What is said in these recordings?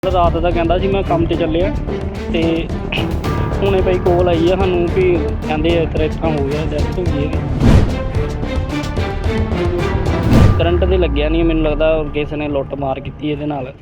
ਰਾਤ ਦਾ ਕਹਿੰਦਾ ਸੀ ਮੈਂ ਕੰਮ ਤੇ ਚੱਲਿਆ ਤੇ ਹੁਣੇ ਭਾਈ ਕੋਲ ਆਈ ਆ ਸਾਨੂੰ ਵੀ ਕਹਿੰਦੇ ਇਸ ਤਰ੍ਹਾਂ ਹੋ ਗਿਆ, ਡੈਥ ਹੋ ਗਈ ਹੈ। ਕਰੰਟ ਤੇ ਲੱਗਿਆ ਨਹੀਂ, ਮੈਨੂੰ ਲੱਗਦਾ ਕਿਸੇ ਨੇ ਲੁੱਟ ਮਾਰ ਕੀਤੀ ਇਹਦੇ ਨਾਲ।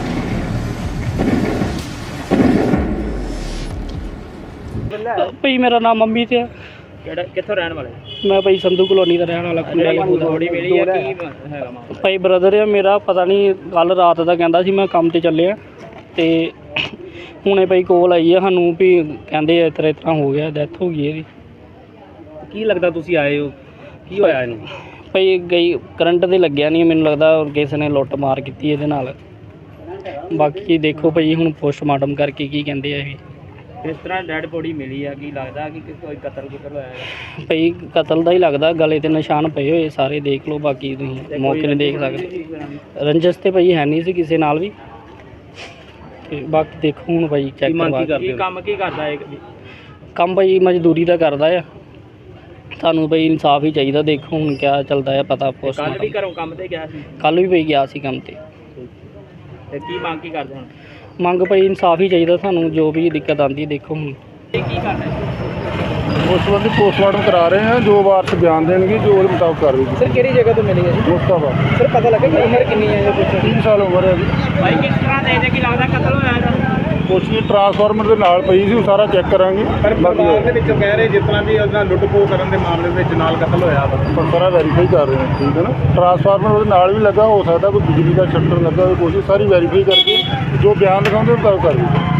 ਭਾਈ ਮੇਰਾ ਨਾਮ ਮੰਮੀ ਤੇ ਆ। ਕਿਹੜਾ ਕਿੱਥੋਂ ਰਹਿਣ ਵਾਲੇ? ਮੈਂ ਭਾਈ ਸੰਧੂ ਕਲੋਨੀ ਦਾ ਰਹਿਣ ਵਾਲਾ। ਥੋੜੀ ਮਿਲੀ ਆ ਕੀ ਹੈਗਾ ਮਾਮਲਾ? ਭਾਈ ਬ੍ਰਦਰ ਆ ਮੇਰਾ, ਪਤਾ ਨਹੀਂ ਕੱਲ ਰਾਤ ਦਾ ਕਹਿੰਦਾ ਸੀ ਮੈਂ ਕੰਮ ਤੇ ਚੱਲਿਆ ਤੇ ਹੁਣੇ ਭਾਈ ਕੋਲ ਆਈ ਆ ਸਾਨੂੰ ਵੀ ਕਹਿੰਦੇ ਇਸ ਤਰ੍ਹਾਂ ਹੋ ਗਿਆ, ਡੈਥ ਹੋ ਗਈ ਇਹਦੀ। ਕੀ ਲੱਗਦਾ ਤੁਸੀਂ ਆਏ ਹੋ, ਕੀ ਹੋਇਆ ਇਹਨੂੰ? ਭਾਈ ਗਈ ਕਰੰਟ ਤੇ ਲੱਗਿਆ ਨਹੀਂ, ਮੈਨੂੰ ਲੱਗਦਾ ਕਿਸੇ ਨੇ ਲੁੱਟ ਮਾਰ ਕੀਤੀ ਇਹਦੇ ਨਾਲ। ਬਾਕੀ ਦੇਖੋ ਭਾਈ ਹੁਣ ਪੋਸਟਮਾਰਟਮ ਕਰਕੇ ਕੀ ਕਹਿੰਦੇ ਆ ਇਹ। ਇਸ ਤਰ੍ਹਾਂ ਡੈਡ ਬੋਡੀ ਮਿਲੀ ਆ, ਕੀ ਲੱਗਦਾ ਕਿ ਕੋਈ ਕਤਲ ਹੋਇਆ ਹੈ? ਭਾਈ ਕਤਲ ਦਾ ਹੀ ਲੱਗਦਾ, ਗਲੇ ਤੇ ਨਿਸ਼ਾਨ ਪਏ ਹੋਏ ਸਾਰੇ, ਦੇਖ ਲਓ। ਬਾਕੀ ਤੁਸੀਂ ਮੌਕੇ 'ਤੇ ਦੇਖ ਸਕਦੇ। ਰੰਜਸ ਤੇ ਭਾਈ ਹੈ ਨਹੀਂ ਸੀ ਕਿਸੇ ਨਾਲ ਵੀ। ਤੇ ਬਾਕੀ ਦੇਖੋ ਹੁਣ ਭਾਈ ਚੈੱਕ ਕਰਵਾ ਕੇ। ਕੰਮ ਕੀ ਕਰਦਾ ਹੈ? ਕੰਮ ਭਾਈ ਮਜ਼ਦੂਰੀ ਦਾ ਕਰਦਾ ਆ। ਸਾਨੂੰ ਭਾਈ ਇਨਸਾਫ ਹੀ ਚਾਹੀਦਾ। ਦੇਖੋ ਹੁਣ ਕਿਆ ਚੱਲਦਾ ਆ, ਪਤਾ ਪੋਸਟ। ਕੱਲ ਵੀ ਘਰੋਂ ਕੰਮ ਤੇ ਗਿਆ ਸੀ? ਕੱਲ ਵੀ ਭਾਈ ਗਿਆ ਸੀ ਕੰਮ ਤੇ। ਤੇ ਕੀ ਮੰਗ ਕੀ ਕਰਦੇ ਹੁਣ? ਮੰਗ ਭਾਈ ਇਨਸਾਫ ਹੀ ਚਾਹੀਦਾ ਸਾਨੂੰ, ਜੋ ਵੀ ਦਿੱਕਤ ਆਉਂਦੀ ਦੇਖੋ ਹੁਣ। ਇਹ ਕੀ ਕਰਨਾ? ਉਸ ਸੰਬੰਧੀ ਪੋਸਟਮਾਰਟਮ ਕਰਾ ਰਹੇ ਹਾਂ, ਜੋ ਵਾਰਸ ਬਿਆਨ ਦੇਣਗੇ ਜੋ ਉਹਦੇ ਮੁਤਾਬਕ ਕਰ ਰਹੀ ਸਰ ਕਿਹੜੀ ਜਗ੍ਹਾ ਤੋਂ ਮਿਲੀ ਹੈ ਜੀ? ਮੁਸਤਾਫਾ। ਸਰ ਪਤਾ ਲੱਗਾ ਕਿ ਉਮਰ ਕਿੰਨੀ ਹੈ ਜੀ? 3 ਸਾਲ ਉਮਰ ਹੈ ਜੀ। ਭਾਈ ਕਿਸ ਤਰ੍ਹਾਂ ਦੇ ਕੀ ਲੱਗਦਾ ਕਤਲ ਹੋਇਆ ਇਹਦਾ? ਕੁਛ ਵੀ ਟਰਾਂਸਫਾਰਮਰ ਦੇ ਨਾਲ ਪਈ ਸੀ, ਉਹ ਸਾਰਾ ਚੈੱਕ ਕਰਾਂਗੇ। ਪਰਿਵਾਰ ਦੇ ਵਿੱਚੋਂ ਕਹਿ ਰਹੇ ਜਿਸ ਤਰ੍ਹਾਂ ਵੀ ਉਹਦਾ ਲੁੱਟ-ਖੋਹ ਕਰਨ ਦੇ ਮਾਮਲੇ ਵਿੱਚ ਨਾਲ ਕਤਲ ਹੋਇਆ ਵਾ। ਪਰ ਸਾਰਾ ਵੈਰੀਫਾਈ ਕਰ ਰਹੇ ਹਾਂ, ਠੀਕ ਹੈ ਨਾ। ਟਰਾਂਸਫਾਰਮਰ ਉਹਦੇ ਨਾਲ ਵੀ ਲੱਗਾ, ਹੋ ਸਕਦਾ ਕੋਈ ਬਿਜਲੀ ਦਾ ਸ਼ਟਰ ਲੱਗਾ ਹੋਵੇ, ਕੋਸ਼ਿਸ਼ ਸਾਰੀ ਵੈਰੀਫਾਈ ਕਰਕੇ ਜੋ ਬਿਆਨ ਲਿਖਾਉਂਦੇ ਉਹ ਕਰ ਰਹੀ ਹੈ।